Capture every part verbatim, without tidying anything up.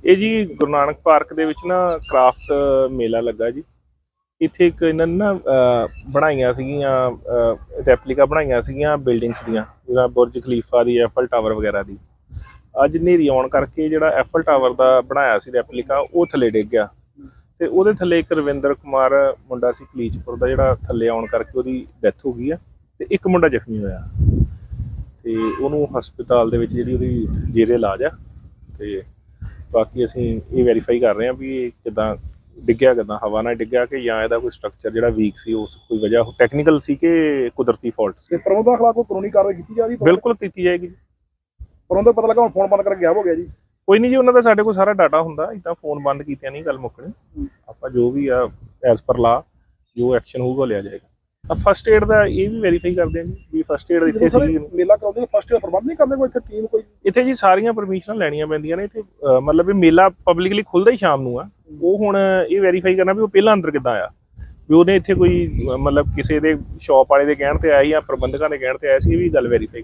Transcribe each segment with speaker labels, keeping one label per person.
Speaker 1: ਇਹ ਜੀ ਗੁਰੂ ਨਾਨਕ ਪਾਰਕ ਦੇ ਵਿੱਚ ਨਾ ਕ੍ਰਾਫਟ ਮੇਲਾ ਲੱਗਾ ਜੀ। ਇੱਥੇ ਇੱਕ ਇਹਨਾਂ ਨੇ ਨਾ ਬਣਾਈਆਂ ਸੀਗੀਆਂ ਰੈਪਲੀਕਾ ਬਣਾਈਆਂ ਸੀਗੀਆਂ ਬਿਲਡਿੰਗਸ ਦੀਆਂ, ਜਿਵੇਂ ਬੁਰਜ ਖਲੀਫਾ ਦੀ, ਐਫਲ ਟਾਵਰ ਵਗੈਰਾ ਦੀ। ਅੱਜ ਹਨੇਰੀ ਆਉਣ ਕਰਕੇ ਜਿਹੜਾ ਐਫਲ ਟਾਵਰ ਦਾ ਬਣਾਇਆ ਸੀ ਰੈਪਲੀਕਾ ਉਹ ਥੱਲੇ ਡਿੱਗ ਗਿਆ ਤੇ ਉਹਦੇ ਥੱਲੇ ਇੱਕ ਰਵਿੰਦਰ ਕੁਮਾਰ ਮੁੰਡਾ ਸੀ ਕਲੀਚਪੁਰ ਦਾ, ਜਿਹੜਾ ਥੱਲੇ ਆਉਣ ਕਰਕੇ ਉਹਦੀ ਡੈਥ ਹੋ ਗਈ ਆ ਤੇ ਇੱਕ ਮੁੰਡਾ ਜ਼ਖਮੀ ਹੋਇਆ ਤੇ ਉਹਨੂੰ ਹਸਪਤਾਲ ਦੇ ਵਿੱਚ ਜਿਹੜੀ ਉਹਦੀ ਜੇਰੇ ਇਲਾਜ ਆ। ਤੇ ਬਾਕੀ ਅਸੀਂ ਇਹ ਵੈਰੀਫਾਈ ਕਰ ਰਹੇ ਹਾਂ ਵੀ ਇਹ ਕਿੱਦਾਂ ਡਿੱਗਿਆ, ਕਿੱਦਾਂ ਹਵਾ ਨਾਲ ਡਿੱਗਿਆ ਕਿ ਜਾਂ ਇਹਦਾ ਕੋਈ ਸਟਰਕਚਰ ਜਿਹੜਾ ਵੀਕ ਸੀ, ਉਸ ਕੋਈ ਵਜ੍ਹਾ ਟੈਕਨੀਕਲ ਸੀ ਕਿ ਕੁਦਰਤੀ ਫਾਲਟ ਸੀ।
Speaker 2: ਪ੍ਰਬੰਧਕਾਂ ਖਿਲਾਫ ਕੋਈ ਕਾਨੂੰਨੀ ਕਾਰਵਾਈ ਕੀਤੀ ਜਾ ਰਹੀ ਹੈ?
Speaker 1: ਬਿਲਕੁਲ ਕੀਤੀ ਜਾਏਗੀ।
Speaker 2: ਪ੍ਰਬੰਧਕ ਪਤਾ ਲੱਗਾ ਹੁਣ ਫੋਨ ਬੰਦ ਕਰਕੇ ਗਾਇਬ ਹੋ ਗਿਆ ਜੀ।
Speaker 1: ਕੋਈ ਨਹੀਂ ਜੀ, ਉਹਨਾਂ ਦਾ ਸਾਡੇ ਕੋਲ ਸਾਰਾ ਡਾਟਾ ਹੁੰਦਾ, ਇੱਦਾਂ ਫੋਨ ਬੰਦ ਕੀਤਿਆਂ ਨਹੀਂ ਗੱਲ ਮੁੱਕਣੀ। ਆਪਾਂ ਜੋ ਵੀ ਆ ਐਜ਼ ਪਰ ਲਾ ਜੋ ਐਕਸ਼ਨ ਹੋਊਗਾ ਲਿਆ ਜਾਏਗਾ। ਫਸਟ ਏਡ ਦਾ ਇਹ ਵੀ ਵੈਰੀਫਾਈ ਕਰਦੇ ਆ ਜੀ ਵੀ ਫਸਟ ਏਡ ਇੱਥੇ ਸੀ।
Speaker 2: ਮੇਲਾ ਕਰਾਉਂਦੇ ਫਸਟ ਏਡ ਪ੍ਰਬੰਧ ਨਹੀਂ ਕਰਦੇ ਕੋਈ ਇੱਥੇ ਟੀਮ ਕੋਈ?
Speaker 1: ਇੱਥੇ ਜੀ ਸਾਰੀਆਂ ਪਰਮਿਸ਼ਨਾਂ ਲੈਣੀਆਂ ਪੈਂਦੀਆਂ ਨੇ। ਇੱਥੇ ਮਤਲਬ ਇਹ ਮੇਲਾ ਪਬਲਿਕਲੀ ਖੁੱਲ੍ਹਦਾ ਹੀ ਸ਼ਾਮ ਨੂੰ ਆ। ਉਹ ਹੁਣ ਇਹ ਵੈਰੀਫਾਈ ਕਰਨਾ ਵੀ ਉਹ ਪਹਿਲਾਂ ਅੰਦਰ ਕਿੱਦਾਂ ਆਇਆ, ਵੀ ਉਹਨੇ ਇੱਥੇ ਕੋਈ ਮਤਲਬ ਕਿਸੇ ਦੇ ਸ਼ੌਪ ਵਾਲੇ ਦੇ ਕਹਿਣ ਤੇ ਆਇਆ ਜਾਂ ਪ੍ਰਬੰਧਕਾਂ ਦੇ ਕਹਿਣ ਤੇ ਆਇਆ ਸੀ, ਇਹ ਵੀ ਗੱਲ ਵੈਰੀਫਾਈ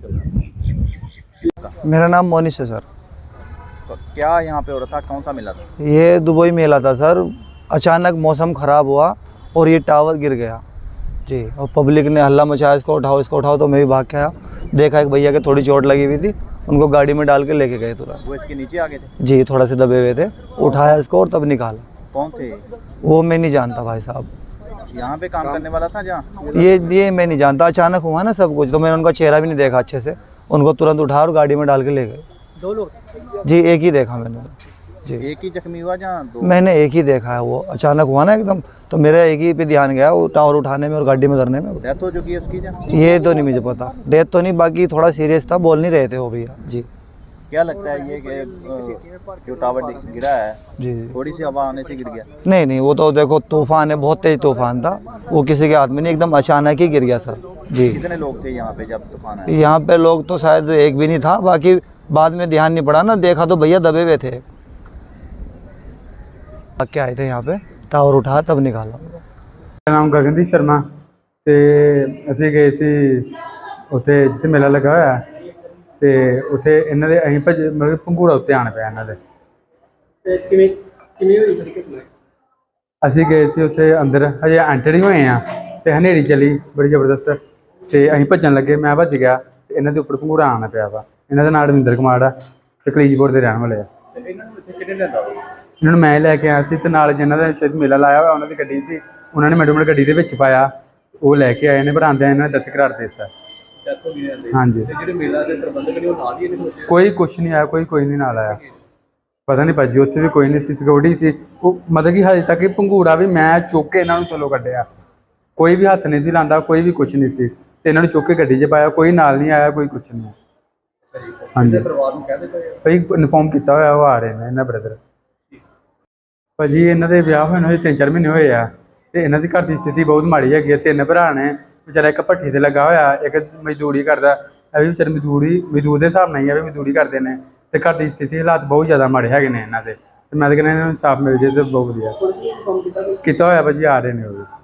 Speaker 1: करना।
Speaker 3: मेरा नाम मोनिश है सर।
Speaker 4: तो क्या यहाँ पे हो रहा था, कौन सा मेला था?
Speaker 3: ये दुबई मेला था सर। अचानक मौसम ख़राब हुआ और ये टावर गिर गया जी, और पब्लिक ने हल्ला मचाया, इसको उठाओ इसको उठाओ। तो मैं भी भाग के आया, देखा एक भैया के थोड़ी चोट लगी हुई थी, उनको गाड़ी में डाल के लेके गए तुरंत।
Speaker 4: वो इसके नीचे आ गए थे?
Speaker 3: जी, थोड़ा से दबे हुए थे, उठाया इसको और तब निकाला।
Speaker 4: कौन थे
Speaker 3: वो मैं नहीं जानता भाई साहब,
Speaker 4: यहाँ पे काम करने वाला था जहाँ?
Speaker 3: ये ये मैं नहीं जानता, अचानक हुआ ना सब कुछ, तो मैंने उनका चेहरा भी नहीं देखा अच्छे से। उनको तुरंत उठा और गाड़ी में डाल के ले गए।
Speaker 4: दो लोग?
Speaker 3: जी, एक ही देखा मैंने जी।
Speaker 4: एक ही जख्मी हुआ जहाँ दो?
Speaker 3: मैंने एक ही देखा है, वो अचानक हुआ ना एकदम, तो मेरा एक ही पे ध्यान गया, वो टावर उठाने में और गाड़ी में धरने में।
Speaker 4: डेथ हो चुकी है उसकी जहाँ?
Speaker 3: ये तो नहीं मुझे पता, डेथ तो नहीं, बाकी थोड़ा सीरियस था, बोल नहीं रहे थे वो भैया जी।
Speaker 4: क्या लगता है ये कि जो टावर गिरा है
Speaker 3: जी
Speaker 4: थोड़ी सी हवा आने से गिर गया?
Speaker 3: नहीं नहीं, वो तो देखो तूफान है, बहुत तेज तूफान था, वो किसी के हाथ में नहीं, एकदम अचानक ही गिर गया सर जी।
Speaker 4: कितने लोग थे यहाँ पे जब तूफान आया?
Speaker 3: यहाँ पे लोग तो शायद एक भी नहीं था, बाकी बाद में ध्यान नहीं पड़ा ना, देखा तो भैया दबे हुए थे। क्या आए थे यहाँ पे, टावर उठा तब निकाला।
Speaker 5: मेरा नाम गगनदीप शर्मा ते ਅਸੀਂ ਗਏ ਸੀ ਉੱਥੇ ਜਿੱਥੇ ਮੇਲਾ ਲੱਗਾ ਹੋਇਆ ਤੇ ਉੱਥੇ ਇਹਨਾਂ ਦੇ ਅਸੀਂ ਭੱਜ ਮਤਲਬ ਪੰਘੂੜਾ ਉੱਤੇ ਆਣ ਪਿਆ ਇਹਨਾਂ ਦੇ।
Speaker 2: ਤੇ ਕਿਵੇਂ ਕਿਵੇਂ ਹੋਈ ਸਰ ਘਟਨਾ?
Speaker 5: ਅਸੀਂ ਗਏ ਸੀ ਉੱਥੇ ਅੰਦਰ, ਹਜੇ ਐਂਟਰ ਹੀ ਹੋਏ ਆ ਤੇ ਹਨੇਰੀ ਚੱਲੀ ਬੜੀ ਜ਼ਬਰਦਸਤ ਤੇ ਅਸੀਂ ਭੱਜਣ ਲੱਗੇ, ਮੈਂ ਭੱਜ ਗਿਆ ਤੇ ਇਹਨਾਂ ਦੇ ਉੱਪਰ ਪੰਘੂੜਾ ਆਣ ਪਿਆ ਵਾ। ਇਹਨਾਂ ਦਾ ਨਾਮ ਰਵਿੰਦਰ ਕੁਮਾਰ ਆ ਤੇ ਕਲੀਚਪੁਰ ਦੇ ਰਹਿਣ ਵਾਲੇ ਆ।
Speaker 2: ਇਹਨਾਂ ਨੂੰ ਇੱਥੇ ਕਿਹਨੇ ਲਿਆਂਦਾ?
Speaker 5: ਇਹਨਾਂ ਨੂੰ ਮੈਂ ਲੈ ਕੇ ਆਇਆ ਸੀ ਤੇ ਨਾਲ ਜਿਨ੍ਹਾਂ ਦਾ ਸ਼ਾਇਦ ਮੇਲਾ ਲਾਇਆ ਹੋਇਆ ਉਹਨਾਂ ਦੀ ਗੱਡੀ ਸੀ, ਉਹਨਾਂ ਨੇ ਮੈਡਮ ਨੇ ਗੱਡੀ ਦੇ ਵਿੱਚ ਪਾਇਆ, ਉਹ ਲੈ ਕੇ ਆਏ ਨੇ, ਪਰ ਆਉਂਦਿਆਂ ਇਹਨਾਂ ਨੇ ਦਸਤ ਕਰਾਰ ਦੇ ਦਿੱਤਾ। ਹਾਂਜੀ,
Speaker 2: ਜਿਹੜੇ ਮੇਲਾ ਦੇ ਪ੍ਰਬੰਧਕ ਨੇ ਉਹ ਨਾਲ ਹੀ ਇਹਦੇ ਵਿੱਚ?
Speaker 5: ਕੋਈ ਕੁਛ ਨਹੀਂ ਆਇਆ, ਕੋਈ ਕੋਈ ਨਹੀਂ ਨਾਲ ਆਇਆ, ਪਤਾ ਨਹੀਂ ਭਾਜੀ ਉੱਥੇ ਵੀ ਕੋਈ ਨਹੀਂ ਸੀ, ਸਿਕਿਉਰਿਟੀ ਸੀ ਉਹ। ਮਤਲਬ ਕਿ ਹਜੇ ਤੱਕ ਪੰਘੂੜਾ ਵੀ ਮੈਂ ਚੁੱਕ ਕੇ ਇਹਨਾਂ ਨੂੰ ਥੱਲੋਂ ਕੱਢਿਆ, ਕੋਈ ਵੀ ਹੱਥ ਨਹੀਂ ਸੀ ਲਾਉਂਦਾ, ਕੋਈ ਵੀ ਕੁਛ ਨਹੀਂ ਸੀ, ਤੇ ਇਹਨਾਂ ਨੂੰ ਚੁੱਕ ਕੇ ਗੱਡੀ 'ਚ ਪਾਇਆ, ਕੋਈ ਨਾਲ ਨਹੀਂ ਆਇਆ, ਕੋਈ ਕੁਛ ਨਹੀਂ। ਹਾਂਜੀ,
Speaker 2: ਪਰਿਵਾਰ ਨੂੰ ਕਹਿ ਦਿੱਤਾ
Speaker 5: ਭਾਈ ਇਨਫੋਰਮ ਕੀਤਾ ਹੋਇਆ, ਉਹ ਆ ਰਹੇ ਨੇ ਇਹਨਾਂ ਬ੍ਰਦਰ। ਭਾਜੀ ਇਹਨਾਂ ਦੇ ਵਿਆਹ ਹੋਏ ਨੂੰ ਤਿੰਨ ਚਾਰ ਮਹੀਨੇ ਹੋਏ ਆ ਤੇ ਇਹਨਾਂ ਦੀ ਘਰ ਦੀ ਸਥਿਤੀ ਬਹੁਤ ਮਾੜੀ ਹੈਗੀ ਹੈ। ਤਿੰਨ ਭਰਾ ਨੇ, ਵਿਚਾਰਾ ਇੱਕ ਭੱਠੀ ਤੇ ਲੱਗਾ ਹੋਇਆ, ਇੱਕ ਮਜ਼ਦੂਰੀ ਕਰਦਾ, ਇਹ ਵੀ ਵਿਚਾਰੇ ਮਜ਼ਦੂਰੀ ਮਜ਼ਦੂਰ ਦੇ ਹਿਸਾਬ ਨਾਲ ਹੀ ਆ ਵੀ ਮਜ਼ਦੂਰੀ ਕਰਦੇ ਨੇ, ਤੇ ਘਰ ਦੀ ਸਥਿਤੀ ਹਾਲਾਤ ਬਹੁਤ ਜ਼ਿਆਦਾ ਮਾੜੇ ਹੈਗੇ ਨੇ ਇਹਨਾਂ ਦੇ। ਤੇ ਮੈਂ ਤਾਂ ਕਹਿੰਦਾ ਇਹਨਾਂ ਨੂੰ ਇਨਸਾਫ ਮਿਲ ਜੇ ਤਾਂ ਬਹੁਤ ਵਧੀਆ। ਕੀਤਾ ਹੋਇਆ ਭਾਜੀ, ਆ ਰਹੇ ਨੇ ਉਹ ਵੀ।